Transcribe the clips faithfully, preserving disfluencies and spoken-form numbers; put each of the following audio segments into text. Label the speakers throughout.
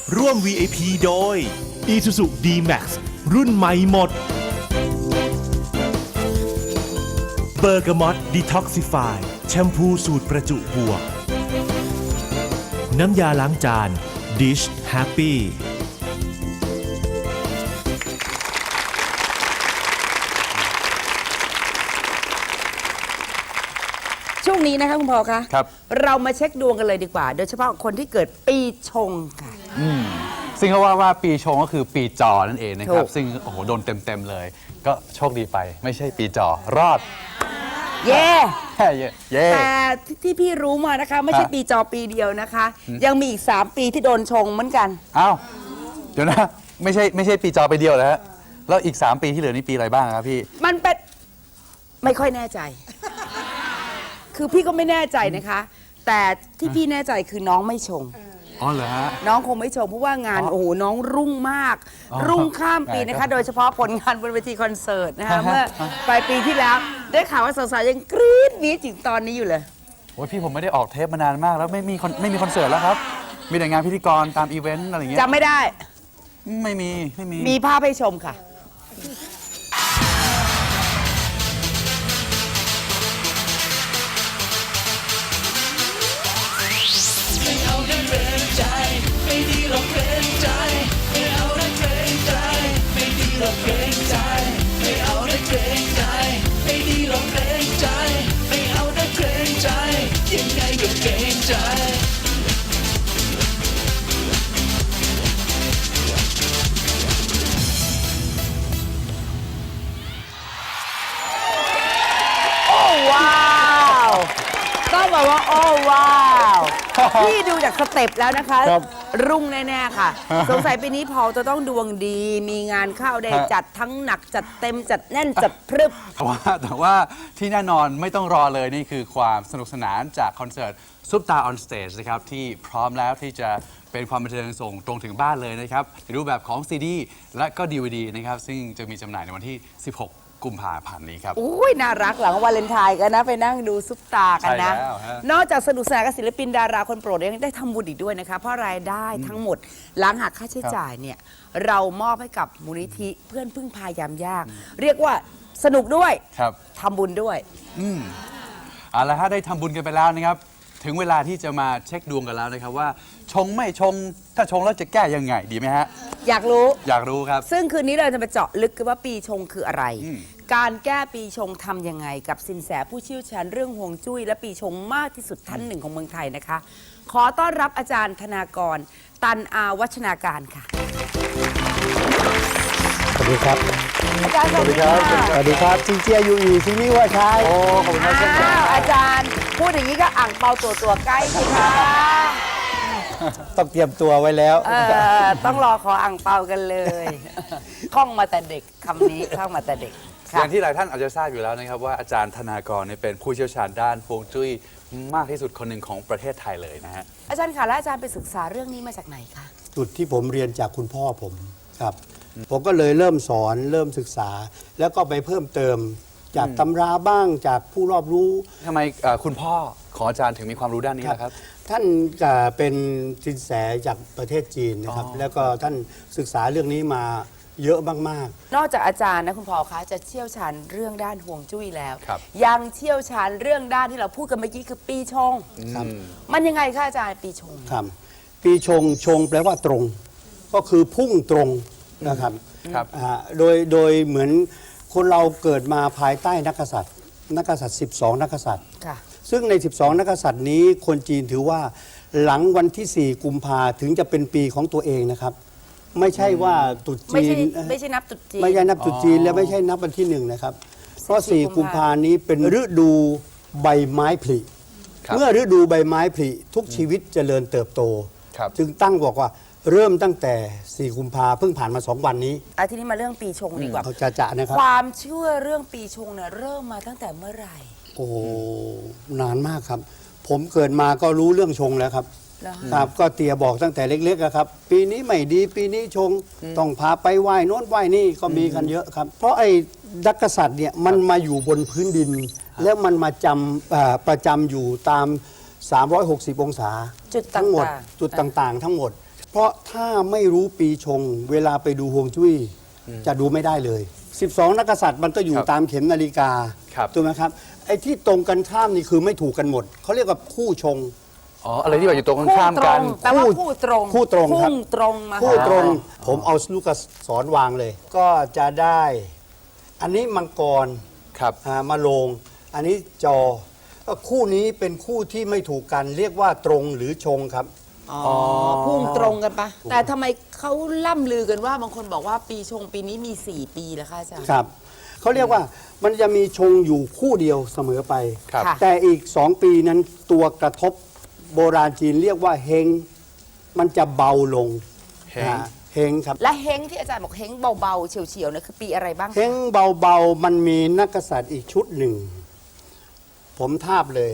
Speaker 1: ร่วม วี ไอ พี โดย Isuzu ดี แม็กซ์ รุ่นใหม่หมดเบอร์กามอตดีท็อกซิฟายแชมพูสูตรประจุบวกน้ำยาล้างจาน Dish Happy
Speaker 2: ช่วงนี้นะคะคุณพอคะ
Speaker 3: ครับ
Speaker 2: เรามาเช็คดวงกันเลยดีกว่า โดยเฉพาะคนที่เกิดปีชงค่ะ
Speaker 3: ซึ่งเขาว่าว่าปีชงก็คือปีจอนั่นเองนะครับ
Speaker 2: ถูก
Speaker 3: ซึ่งโอ้โหโดนเต็มๆเลย ก็โชคดีไปไม่ใช่ปีจอรอด
Speaker 2: เย่
Speaker 3: แค่เย่เย่
Speaker 2: แต่ที่พี่รู้มานะคะ ไม่ใช่
Speaker 3: ฮะ
Speaker 2: ปีจอปีเดียวนะคะ ยังมีอีกสามปีที่โดนชงเหมือนกัน
Speaker 3: อ้าวเดี๋ยวนะไม่ใช่ไม่ใช่ปีจอไปเดียวแล้วฮะแล้วอีกสามปีที่เหลือนี่ปีอะไรบ้างครับพี่
Speaker 2: มันเป็นไม่ค่อยแน่ใจ คือพี่ก็ไม่แน่ใจนะคะ แต่ที่พี่แน่ใจคือน้องไม่ชง
Speaker 3: อ๋อเหรอฮะ
Speaker 2: น้องคงไม่ชมเพราะว่างาน
Speaker 3: อ๋อ
Speaker 2: โอ้โหน้องรุ่งมาก
Speaker 3: อ๋อ
Speaker 2: รุ่งข้ามปี
Speaker 3: ไหน
Speaker 2: นะ
Speaker 3: ครั
Speaker 2: คะ
Speaker 3: บ
Speaker 2: โดยเฉพาะผลงานบนเวทีคอนเสิร์ตนะคะ
Speaker 3: ฮะ
Speaker 2: เมื่อปลายปีที่แล้ว ได้ข่าวว่าสาวๆยังกรี๊ดวีดถึงตอนนี้อยู่เลย
Speaker 3: โอ้ยพี่ผมไม่ได้ออกเทปมานานมากแล้วไม่มีคอนไม่มีคอนเสิร์ตแล้วครับ มีแต่งานพิธีกรตามอีเวนต์อะไรอย่างเงี้ย
Speaker 2: จำไม่ได้
Speaker 3: ไม่มีไม่มี
Speaker 2: มีภาพให้ชมค่ะ โอ้ว้าวต้องบอกว่าโอ้ว้าวพี่ดูจากสเต็ปแล้วนะคะ
Speaker 3: ครับ
Speaker 2: รุ่งแน่ๆค่ะ สงสัยปีนี้พอลจะต้องดวงดี มีงานเข้าได้
Speaker 3: ฮะ
Speaker 2: จัดทั้งหนักจัดเต็มจัดแน่นจัดพรึบ
Speaker 3: แต่ว่าแต่ว่าที่แน่นอนไม่ต้องรอเลยนี่คือความสนุกสนานจากคอนเสิร์ตซุปตาออนสเตจนะครับที่พร้อมแล้วที่จะเป็นความบันเทิงส่งตรงถึงบ้านเลยนะครับในรูปแบบของ ซี ดี และก็ ดี วี ดี นะครับซึ่งจะมีจำหน่ายในวันที่ สิบหก กุมภาพันธ์นี้ครับ
Speaker 2: อุ้ยน่ารักหลังวาเลนไทน์กันนะ ไปนั่งดูซุปตากันนะ
Speaker 3: ใช่แล้วฮะ
Speaker 2: นอกจากสนุกสนานกับศิลปินดาราคนโปรดยังได้ทำบุญอีกด้วยนะคะ เพราะรายได้ทั้งหมดหลังหักค่าใช้จ่ายเนี่ย เรามอบให้กับมูลนิธิเพื่อนพึ่งพายามยาก เรียกว่าสนุกด้วย
Speaker 3: ครับ
Speaker 2: ทำบุญด้วย
Speaker 3: เอาละฮะได้ทำบุญกันไปแล้วนะครับ ถึงเวลาที่จะมาเช็คดวงกันแล้วนะครับว่า ชงไม่ชงถ้าชงแล้วจะแก้ยังไงดีไหมฮะ
Speaker 2: อยากรู้
Speaker 3: อยากรู้ครับ
Speaker 2: ซึ่งคืนนี้เราจะมาเจาะลึกกันว่าปีชงคืออะไร
Speaker 3: อืม
Speaker 2: การแก้ปีชงทำยังไงกับสินแสผู้เชี่ยวชาญเรื่องฮวงจุ้ยและปีชงมากที่สุดท่านหนึ่งของเมืองไทยนะคะ ขอต้อนรับอาจารย์ธนากร ตันอาวัชนาการค่ะ
Speaker 4: สวัสดีครับ
Speaker 2: อาจารย์สวัสดีค่ะ
Speaker 4: สวัสดีครับจิงเจียยูอีซินี่ว่าใช่
Speaker 3: โอ้ขอบคุณครับเช่นกัน
Speaker 2: อ้าวอาจารย์ พูดอย่างนี้ก็อ่างเปาตัวตัวใกล้สิคะ
Speaker 4: ต้องเตรียมตัวไว้แล้ว
Speaker 2: เออต้องรอขออ่างเปากันเลยคล่องมาแต่เด็กคำนี้คล่องมาแต่เด็ก
Speaker 3: อ
Speaker 2: ค่ะ
Speaker 3: ย่างที่หลายท่านอาจจะทราบอยู่แล้วนะครับว่าอาจารย์ธนากรเนี่ยเป็นผู้เชี่ยวชาญด้านฮวงจุ้ยมากที่สุดคนหนึ่งของประเทศไทยเลยนะฮะ
Speaker 2: อาจารย์ค่ะแล้วอาจารย์ไปศึกษาเรื่องนี้มาจากไหนคะ
Speaker 4: จุดที่ผมเรียนจากคุณพ่อผมครับ ผมก็เลยเริ่มสอนเริ่มศึกษา แล้วก็ไปเพิ่มเติมจากตำราบ้างจากผู้รอบรู้
Speaker 3: ทำไมเอ่อคุณพ่อของอาจารย์ถึงมีความรู้ด้านนี้ล่ะครับ
Speaker 4: ท่านก็เป็นสินแสจากประเทศจีนนะครับ
Speaker 3: อ๋อ
Speaker 4: แล้วก็ท่านศึกษาเรื่องนี้มาเยอะมาก
Speaker 2: นอกจากอาจารย์นะคุณพอคะจะเชี่ยวชาญเรื่องด้านห่วงจุ้ยแล้ว
Speaker 3: ครับ
Speaker 2: ยังเชี่ยวชาญเรื่องด้านที่เราพูดกันเมื่อกี้คือปีชง
Speaker 4: ครับ
Speaker 2: มันยังไงคะอาจารย์ปีชง
Speaker 4: ๆครับปีชงชงแปลว่าตรง ก็คือพุ่งตรงนะครับ
Speaker 3: ครับ
Speaker 4: อ่าโดยโดยเหมือนคนเราเกิดมาภายใต้นักกษัตริย์ นักกษัตริย์ สิบสอง นักกษัตริย์
Speaker 2: ค่ะ
Speaker 4: ซึ่งใน สิบสอง นักกษัตริย์นี้คนจีนถือว่าหลังวันที่ สี่ กุมภาถึงจะเป็นปีของตัวเองนะครับ ไม่ใช่ว่าตรุษ
Speaker 2: ไม่
Speaker 4: จี
Speaker 2: ใช่
Speaker 4: น
Speaker 2: ไม่ใช่นับตรุษจีน
Speaker 4: ไม่ใช่นับตรุษจีน
Speaker 3: อ๋อ
Speaker 4: และไม่ใช่นับวันที่หนึ่งนะครับ เพราะ
Speaker 2: สี่
Speaker 4: สี่
Speaker 2: กุ
Speaker 4: กุ
Speaker 2: ม
Speaker 4: ม
Speaker 2: ภา
Speaker 4: ภานี้เป็นฤดูใบไม้ผลิ
Speaker 3: ครับ
Speaker 4: เมื่อฤดูใบไม้ผลิทุกชีวิตเจริญเติบโต
Speaker 3: ครับ
Speaker 4: จึงตั้งบอกว่าเริ่มตั้งแต่ สี่ กุมภาเพิ่งผ่านมาสองวันนี้
Speaker 2: อ่ะทีนี้มาเรื่องปีชงดีกว่า
Speaker 4: เขาจะจะนะครับ
Speaker 2: ความเชื่อเรื่องปีชงเนี่ยเริ่มมาตั้งแต่เมื่อไหร่
Speaker 4: โอ้โหนานมากครับ ผมเกิดมาก็รู้เรื่องชงแล้วครับ
Speaker 2: เหรอ
Speaker 4: ครับ ก็เตียบอกตั้งแต่เล็กๆอะครับ ปีนี้ไม่ดีปีนี้ชง ต้องพาไปไหว้โน้นไหว้นี่ก็มีกันเยอะครับ เพราะไอ้ดักกษัตริย์เนี่ยมันมาอยู่บนพื้นดิน แล้วมันมาจำเอ่อประจำอยู่ตาม สามร้อยหกสิบ องศา
Speaker 2: จุดต่างๆ
Speaker 4: ทั้งหมดจุดต่างๆ ทั้งหมดเพราะถ้าไม่รู้ปีชง เวลาไปดูฮวงจุ้ยจะดูไม่ได้เลย สิบสอง นักกษัตริย์มันก็อยู่
Speaker 3: ครับ
Speaker 4: ตามเข็มนาฬิกา
Speaker 3: ครับ
Speaker 4: ถูกไหมครับไอ้ที่ตรงกันข้ามนี่คือไม่ถูกกันหมดเขาเรียกว่าคู่ชง
Speaker 3: อ๋ออะไรที่แบบอยู่ตรงกัน
Speaker 2: คู่
Speaker 3: ข้าม
Speaker 2: ตร
Speaker 3: กัน
Speaker 2: งแปลว่าคู่ตรง
Speaker 4: คู่ตรงครับ
Speaker 2: พุ่งตรงมา
Speaker 4: คู่ตรง
Speaker 3: อ๋อ
Speaker 4: ผมเอาลูกศรวางเลย ก็จะได้ อันนี้มังกร
Speaker 3: ครับ
Speaker 4: อ่ามาโลง อันนี้จอก็คู่นี้เป็นคู่ที่ไม่ถูกกัน เรียกว่าตรงหรือชงครับ
Speaker 2: อ๋อพุ่งตรงกันปะแต่ทำไมเขาล่ำลือกันว่าบางคนบอกว่าปีชงปีนี้มี สี่ ปีแล้วค่ะอาจารย์
Speaker 4: ครับเขาเรียกว่ามันจะมีชงอยู่คู่เดียวเสมอไป
Speaker 3: ครับ
Speaker 2: ค่ะ
Speaker 4: แต่อีกสองปีนั้นตัวกระทบโบราณจีนเรียกว่าเฮงมันจะเบาลง
Speaker 3: เฮง
Speaker 4: อ่าเฮงครับ
Speaker 2: และเฮงที่อาจารย์บอกเฮงเบาๆเฉียวๆเนี่ยคือปีอะไรบ้างคะ
Speaker 4: เฮงเบาๆมันมีนักกษัตริย์อีกชุดหนึ่ง ผมทาบเลย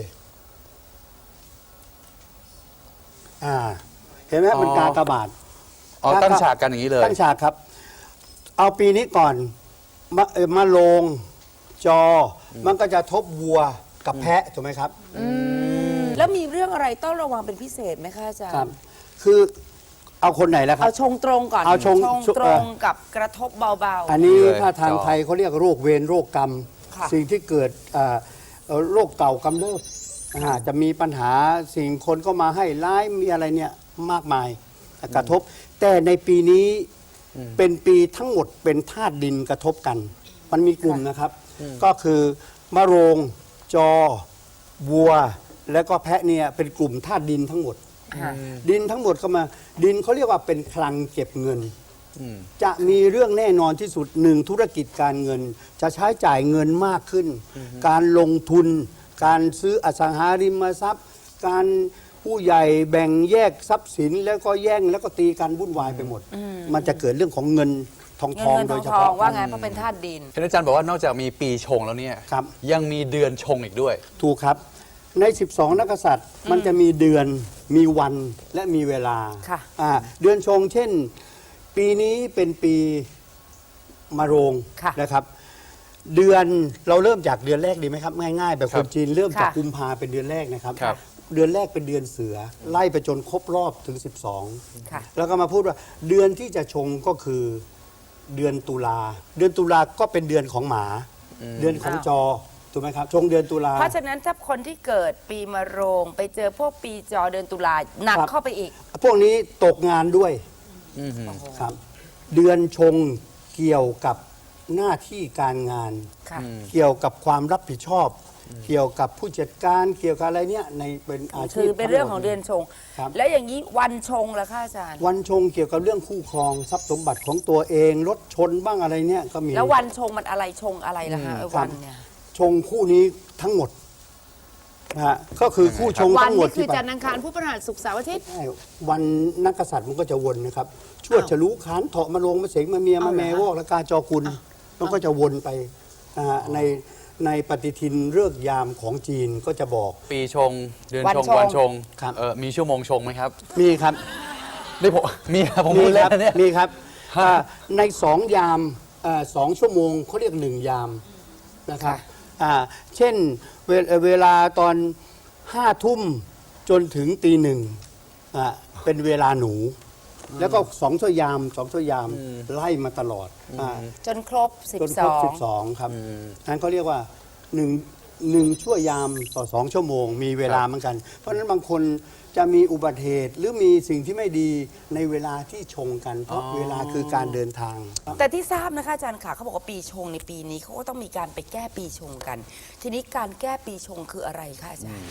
Speaker 4: อ่าเห็นไหม
Speaker 3: อ๋อ
Speaker 4: มันกากบาท
Speaker 3: อ๋อตั้งฉากกันอย่างนี้เลย
Speaker 4: ตั้งฉากครับ เอาปีนี้ก่อนมาเอ่อมาลงจออมันก็จะทบวัวกับแพะถูกไหมครับ
Speaker 2: แล้วมีเรื่องอะไรต้องระวังเป็นพิเศษไหมคะอาจาร
Speaker 4: ครับ
Speaker 2: ย์
Speaker 4: คือเอาคนไหนแล้วครั
Speaker 2: เอา
Speaker 4: บ
Speaker 2: ชงตรงก่อน
Speaker 4: เอาชง
Speaker 2: ตรงกับกระทบเบา
Speaker 4: อันนี้
Speaker 3: เลย
Speaker 4: ถ้าทาง
Speaker 3: จอ
Speaker 4: ไทยเขาเรียกโรคเวรโรคกรรม
Speaker 2: ค่ะ
Speaker 4: สิ่งที่เกิดอ่าเอ่อโรคเก่ากำเริบอ่าจะมีปัญหาสิ่งคนก็มาให้ร้ายมีอะไรเนี่ยมากมายกระทบ แต่ในปีนี้เป็นปีทั้งหมดเป็นธาตุดินกระทบกัน มันมีกลุ่มนะครับ ก็คือมะโรง จอ วัว แล้วก็แพะเนี่ยเป็นกลุ่มธาตุดินทั้งหมด
Speaker 2: ๆค่ะ
Speaker 4: ดินทั้งหมดก็มาดินเขาเรียกว่าเป็นคลังเก็บเงิน จะมีเรื่องแน่นอนที่สุดหนึ่งธุรกิจการเงิน จะใช้จ่ายเงินมากขึ้น การลงทุน การซื้ออสังหาริมทรัพย์ การผู้ใหญ่แบ่งแยกทรัพย์สินแล้วก็แย่งแล้วก็ตีกันวุ่นวายไปหมด มันจะเกิดเรื่องของเงินทอง
Speaker 2: เงิ
Speaker 4: ท
Speaker 2: น
Speaker 4: อง
Speaker 2: เงิน
Speaker 4: โด
Speaker 2: ทอย ง
Speaker 4: เฉ
Speaker 2: ทอง
Speaker 4: พาะ
Speaker 2: ว่าไงเพราะเป็นธาตุดิน
Speaker 3: เห็นอาจารย์บอกว่านอกจากมีปีชงแล้วเนี่ย
Speaker 4: ครับ
Speaker 3: ยังมีเดือนชงอีกด้วย
Speaker 4: ถูกครับ ใน สิบสอง นักกษัตริย์มันจะมีเดือนมีวันและมีเวลา
Speaker 2: ค่ะ
Speaker 4: อ่าเดือนชง เช่น ปีนี้เป็นปีมะโรง
Speaker 2: ค่ะ
Speaker 4: นะครับ เดือนเราเริ่มจากเดือนแรกดีไหมครับ ง่ายๆ แบบ
Speaker 3: ค
Speaker 4: ครับ นจีนเริ่มจาก
Speaker 2: ค่ะ
Speaker 4: กุมภาเป็นเดือนแรกนะครับ
Speaker 3: ครับ
Speaker 4: เดือนแรกเป็นเดือนเสือ ไล่ไปจนครบรอบถึง สิบสอง
Speaker 2: ค่ะ
Speaker 4: แล้วก็มาพูดว่าเดือนที่จะชงก็คือเดือนตุลา เดือนตุลาก็เป็นเดือนของหมา เดือนของ
Speaker 2: อ้าว
Speaker 4: จอถูกไหมครับ ชงเดือนตุลา
Speaker 2: เพราะฉะนั้นถ้าคนที่เกิดปีมะโรง ไปเจอพวกปีจอเดือนตุลาหนัก
Speaker 4: ครับ
Speaker 2: เข้าไปอีก
Speaker 4: พวกนี้ตกงานด้วยครับ เดือนชงเกี่ยวกับหน้าที่การงาน
Speaker 2: ค่ะ
Speaker 4: เกี่ยวกับความรับผิดชอบ เกี่ยวกับผู้จัดการเกี่ยวกับอะไรเนี่ยในเป็นอาชีพ
Speaker 2: คือเป็นเรื่องของเดือนชง
Speaker 4: ครับ
Speaker 2: แล้วอย่างนี้วันชงล่ะคะอาจารย์
Speaker 4: วันชงเกี่ยวกับเรื่องคู่ครองทรัพย์สมบัติของตัวเองรถชนบ้างอะไรเนี่ยก็มี
Speaker 2: แล้ววันชงมันอะไรชงอะไรล่ะคะไอ้
Speaker 4: ครั
Speaker 2: วั
Speaker 4: บ
Speaker 2: นเนี่ย
Speaker 4: ชงคู่นี้ทั้งหมดนะฮะก็คือคู่ชง
Speaker 2: วัน
Speaker 4: ทั้งหมด
Speaker 2: นี่คือ
Speaker 4: ที่
Speaker 2: จันทร์อังคารพุธพฤหัสศุกร์เสาร์อาทิตย์
Speaker 4: ใช่วันนักกษัตริย์มันก็จะวนนะครับชวด
Speaker 2: อ้าว
Speaker 4: ฉลูขานเถาะมาลงมาเสงมาเมีย
Speaker 2: เอา
Speaker 4: มา
Speaker 2: เหรอ
Speaker 4: แม่
Speaker 2: ฮะ
Speaker 4: วอกและกาจอกุลมันก็จะวนไปนะฮะในในปฏิทินฤกษ์ยามของจีนก็จะบอก
Speaker 3: ปีชง เดือน
Speaker 2: วัน
Speaker 3: ชง
Speaker 2: ชง
Speaker 3: วันชง
Speaker 4: ครับ
Speaker 3: เออมีชั่วโมงชงไหมครับ
Speaker 4: มีครับ
Speaker 3: นี่ผมมีครับผม
Speaker 4: มี
Speaker 3: พูด
Speaker 4: ค
Speaker 3: เล่
Speaker 4: รั
Speaker 3: นนะเนี่ย
Speaker 4: มีครับอ่าในสองยามอ่าสองชั่วโมงเขาเรียกหนึ่งยามนะครับอ่าเช่นเวลเวลาตอนห้าทุ่มจนถึงตีหนึ่งอ่าเป็นเวลาหนู แล้วก็สองชั่วยามสองชั่วยามไล่มาตลอดอ่า
Speaker 2: จนครบ
Speaker 4: จนครบสิบ
Speaker 2: สิบสอง
Speaker 4: สองครับนั้นเขาเรียกว่าหนึ่งหนึ่งชั่วยามต่อสองชั่วโมง มีเวลาเหมือนกัน เพราะฉะนั้นบางคนจะมีอุบัติเหตุหรือมีสิ่งที่ไม่ดีในเวลาที่ชงกัน เพราะเวลาคือการเดินทาง
Speaker 2: แต่ที่ทราบนะคะอาจารย์ค่ะเขาบอกว่าปีชงในปีนี้เขาก็ต้องมีการไปแก้ปีชงกัน ทีนี้การแก้ปีชงคืออะไรคะอาจารย์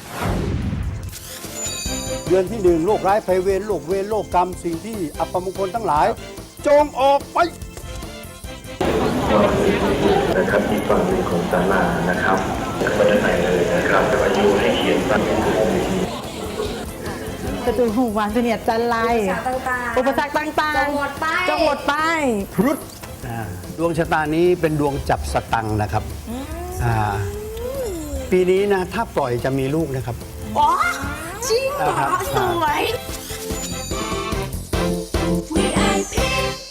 Speaker 4: เดือนที่หนึ่งโรคร้ายภัยเวรโรคเวรโรคกรรมสิ่งที่อัปมงคลทั้งหลาย จงออกไป
Speaker 5: นะครับอีกฝั่งหนึ่งของศาลานะครับเข้าไปด้านในเลยนะครับจะมาอยู่ให้เขียนตั้งเป็นกลุ่ม
Speaker 6: กระจุยหูวานเสนียดจันไรอุปสรรคต่างๆจงหมดไปจงหมดไป
Speaker 4: พรุษอ่าดวงชะตานี้เป็นดวงจับสตังค์นะครับอ่าปีนี้นะถ้าปล่อยจะมีลูกนะครับ
Speaker 6: อ๋อ จริงเหรอ
Speaker 4: ครับ
Speaker 6: สวย
Speaker 7: วี ไอ พี